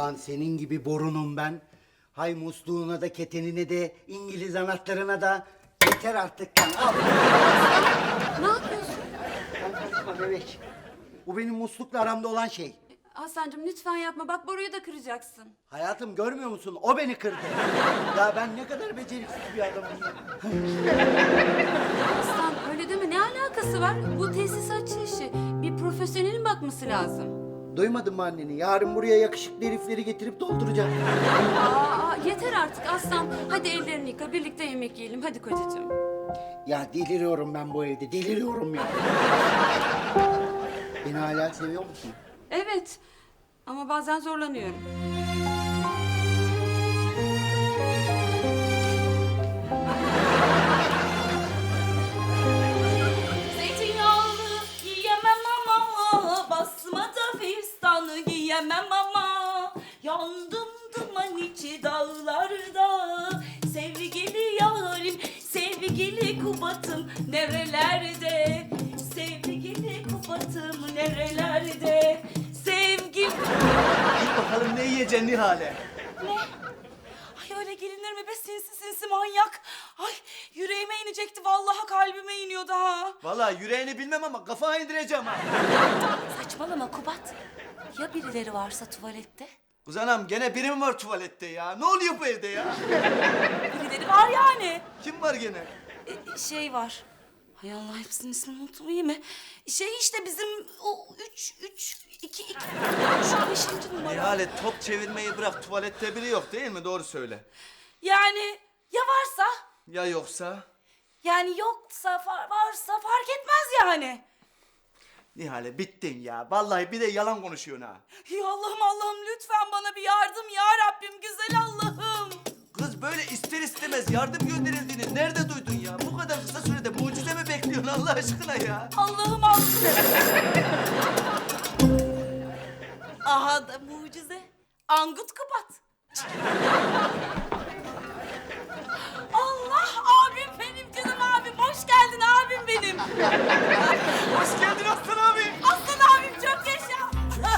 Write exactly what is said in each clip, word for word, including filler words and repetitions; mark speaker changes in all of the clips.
Speaker 1: Ulan senin gibi borunum ben. Hay musluğuna da ketenine de İngiliz anahtarına da yeter artık lan. Al.
Speaker 2: Ne yapıyorsun?
Speaker 1: Sen karışma bebek. Bu benim muslukla aramda olan şey.
Speaker 2: Hasan'cığım lütfen yapma. Bak boruyu da kıracaksın.
Speaker 1: Hayatım görmüyor musun? O beni kırdı. Ya ben ne kadar beceriksiz bir adamım ya.
Speaker 2: Aslan öyle deme. Ne alakası var? Bu tesisatçı işi. Bir profesyonelin bakması lazım.
Speaker 1: Duymadın mı anneni? Yarın buraya yakışıklı herifleri getirip dolduracağım.
Speaker 2: Aa, yeter artık Aslan. Hadi ellerini yıka. Birlikte yemek yiyelim. Hadi kocacığım.
Speaker 1: Ya deliriyorum ben bu evde. Deliriyorum ya. Beni hala seviyor musun?
Speaker 2: Evet. Ama bazen zorlanıyorum.
Speaker 3: Zeytinyağlı yiyemem ama, basmada fistanı yiyemem ama. Yandım duman içi dağlarda, sevgili yarim, sevgili Kubat'ım nerelerde? Sevgili Kubat'ım nerelerde? Sevgim...
Speaker 4: Bakalım ne yiyeceksin Nihale?
Speaker 3: Ne? Ay öyle gelinir mi be sinsi sinsi manyak? Ay yüreğime inecekti vallahi kalbime iniyordu ha.
Speaker 4: Vallahi yüreğini bilmem ama kafana indireceğim ha.
Speaker 3: Saçmalama Kubat. Ya birileri varsa tuvalette?
Speaker 4: Kız anam gene biri mi var tuvalette ya? Ne oluyor bu evde ya?
Speaker 3: Birileri var yani.
Speaker 4: Kim var gene?
Speaker 3: E, şey var. Hay Allah hepsinin ismini unuttum iyi mi? Şey işte bizim o üç, üç, iki, iki, şu beşinci numara.
Speaker 4: Nihale top çevirmeyi bırak, tuvalette biri yok değil mi? Doğru söyle.
Speaker 3: Yani ya varsa?
Speaker 4: Ya yoksa?
Speaker 3: Yani yoksa fa- varsa fark etmez yani.
Speaker 4: Nihale bittin ya. Vallahi bir de yalan konuşuyorsun ha.
Speaker 3: Ya Allah'ım Allah'ım lütfen bana bir yardım ya Rabbim güzel Allah'ım.
Speaker 4: Kız böyle ister istemez yardım gönderildiğini nerede duydun ya? Bu kadar kısa sürede mucize mi bekliyorsun Allah aşkına ya?
Speaker 3: Allah'ım Allah'ım. Aha da mucize. Angut Kubat. Allah abim benim canım abim. Hoş geldin abim benim.
Speaker 4: Hoş geldin Aslan abi.
Speaker 3: Aslan abim çok yaşa.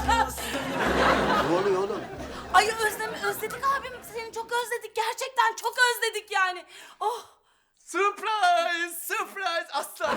Speaker 1: Ne oluyor oğlum?
Speaker 3: Ay özlem özledik abim. Seni çok özledik. Gerçekten çok özledik yani. Oh.
Speaker 4: Surprise! Surprise Aslan!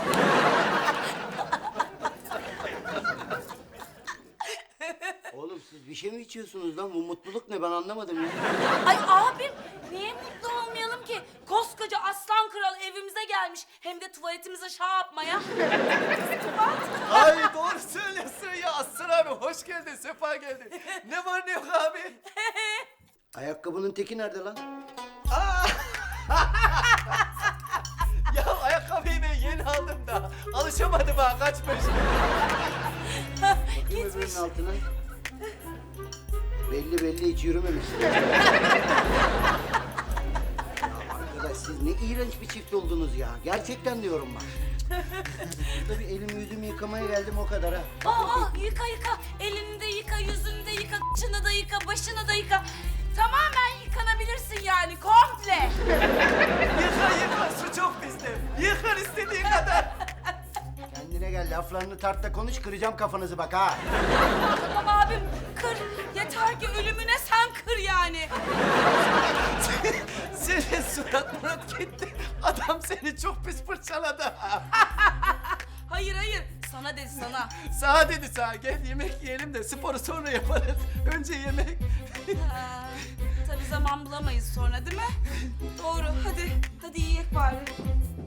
Speaker 1: Oğlum siz bir şey mi içiyorsunuz lan? Bu mutluluk ne? Ben anlamadım ya.
Speaker 3: Ay abim niye mutlu olmayalım ki? Koskoca aslan kral evimize gelmiş. Hem de tuvaletimize şah yapmaya.
Speaker 4: Ay doğru söylüyorsun ya Aslan abi. Hoş geldin, sefa geldin. Ne var ne yok abi?
Speaker 1: Ayakkabının teki nerede lan?
Speaker 4: Ya ayakkabıyı ben yeni aldım da alışamadım ha kaçmış.
Speaker 1: Bakayım öbürünün altına. Belli belli hiç yürümemişsin. Ya arkadaş siz ne iğrenç bir çift oldunuz ya. Gerçekten diyorum bak. Burada bir elimi yüzümü yıkamaya geldim o kadar ha.
Speaker 3: Aa yıka yıka. Elini de yıka, yüzünü de yıka, kıçını da yıka, başını da yıka. Tamamen yıkanabilirsin yani komple.
Speaker 4: Yıkar yıkar su çok bizde. Yıkar istediğin kadar.
Speaker 1: Kendine gel laflarını tart da konuş kıracağım kafanızı bak ha.
Speaker 3: Tamam abim kır. Yeter ki ölümüne sen kır yani.
Speaker 4: Senin surat murat gitti. Adam seni çok pis fırçaladı.
Speaker 3: Hayır hayır sana dedi sana.
Speaker 4: Sağa dedi sağa gel yemek yiyelim de sporu sonra yaparız. Önce yemek.
Speaker 3: Ha, tabii zaman bulamayız sonra değil mi? Doğru hadi hadi yiyek bari.